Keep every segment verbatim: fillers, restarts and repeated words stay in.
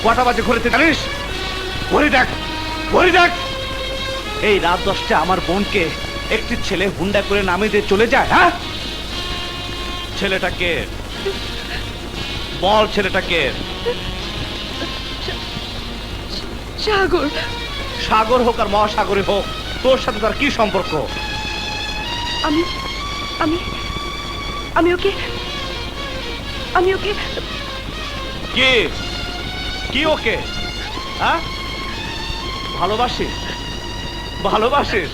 কটা বাজে ঘুরেতে জানিস? ঘড়ি দেখ, ঘড়ি দেখ। এই রাত দশটা আমার বোনকে একটি ছেলে হুন্ডা করে নামিয়ে দিয়ে চলে যায়। হ্যাঁ, ছেলেটাকে বল, ছেলেটাকে। সাগর। সাগর হোক আর মহাসাগরে হোক, তোর সাথে তার কি সম্পর্ক? আমি আমি আমি ওকে আমি ওকে কি কি ওকে হ্যাঁ ভালোবাসিস? ভালোবাসিস?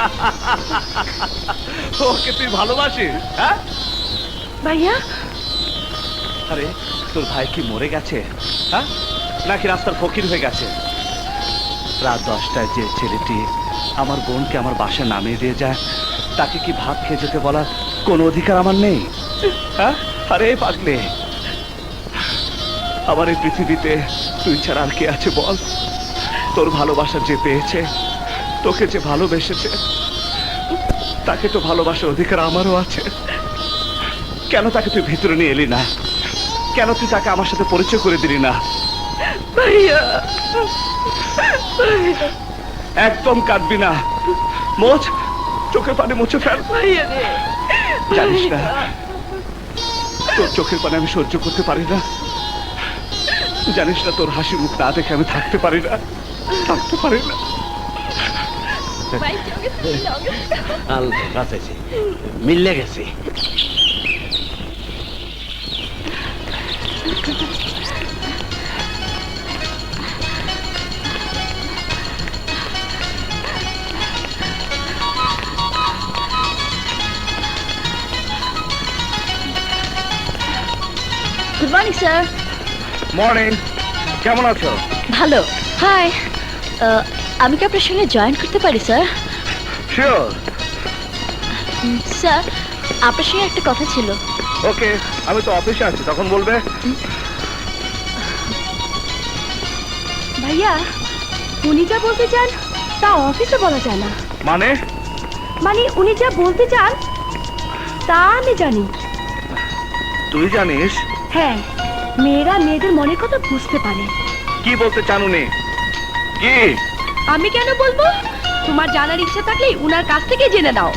ওকে তুই ভালোবাসিস? হ্যাঁ ভাইয়া, আরে তোর ভাই কি মরে গেছে? হ্যাঁ, নাকি রাস্তার ফকির হয়ে গেছে? রাত দশটায় যে ছেলেটি আমার বোনকে আমার বাসায় নামিয়ে দিয়ে যায়, তাকে কি ভাত খেয়ে যেতে বলার কোনো অধিকার আমার নেই? হ্যাঁ, আরে পাগলে, আমার এই পৃথিবীতে তুই ছাড়া আর কে আছে বল? তোর ভালোবাসা যে পেয়েছে, তোকে যে ভালোবেসেছে, তাকে তো ভালোবাসার অধিকার আমারও আছে। কেন তাকে তুই ভিতরে নিয়ে এলি না? কেন তুই তাকে আমার সাথে পরিচয় করে দিলি না? ভাইয়া, একদম কাঁদবি না, মোচ, চোখের পানি মুছে ফেল। ভাইয়া রে, জানিস না তোর চোখের পানি আমি সহ্য করতে পারি না। জানিস না তোর হাসি মুখ না দেখে আমি থাকতে পারি না, থাকতে পারি না। মিললে গেছে। Good morning sir. মর্নিং, কেমন আছো? ভালো। হাই, আমি কি আপনার সঙ্গে জয়েন করতে পারি স্যার? শিওর। স্যার, আপনার সঙ্গে একটা কথা ছিল। ওকে, আমি তো অফিসে আছি, তখন বলবে। ভাইয়া, উনি যা বলতে চান তা অফিসে বলা যায় না। মানে? মানে উনি যা বলতে চান তা আমি জানি। তুই জানিস? হ্যাঁ, মেয়েরা মেয়েদের মনের কথা বুঝতে পারে। কি বলতে চান উনি? কি? আমি কেন বলবো? তোমার জানার ইচ্ছা থাকলে উনার কাছ থেকে জেনে নাও।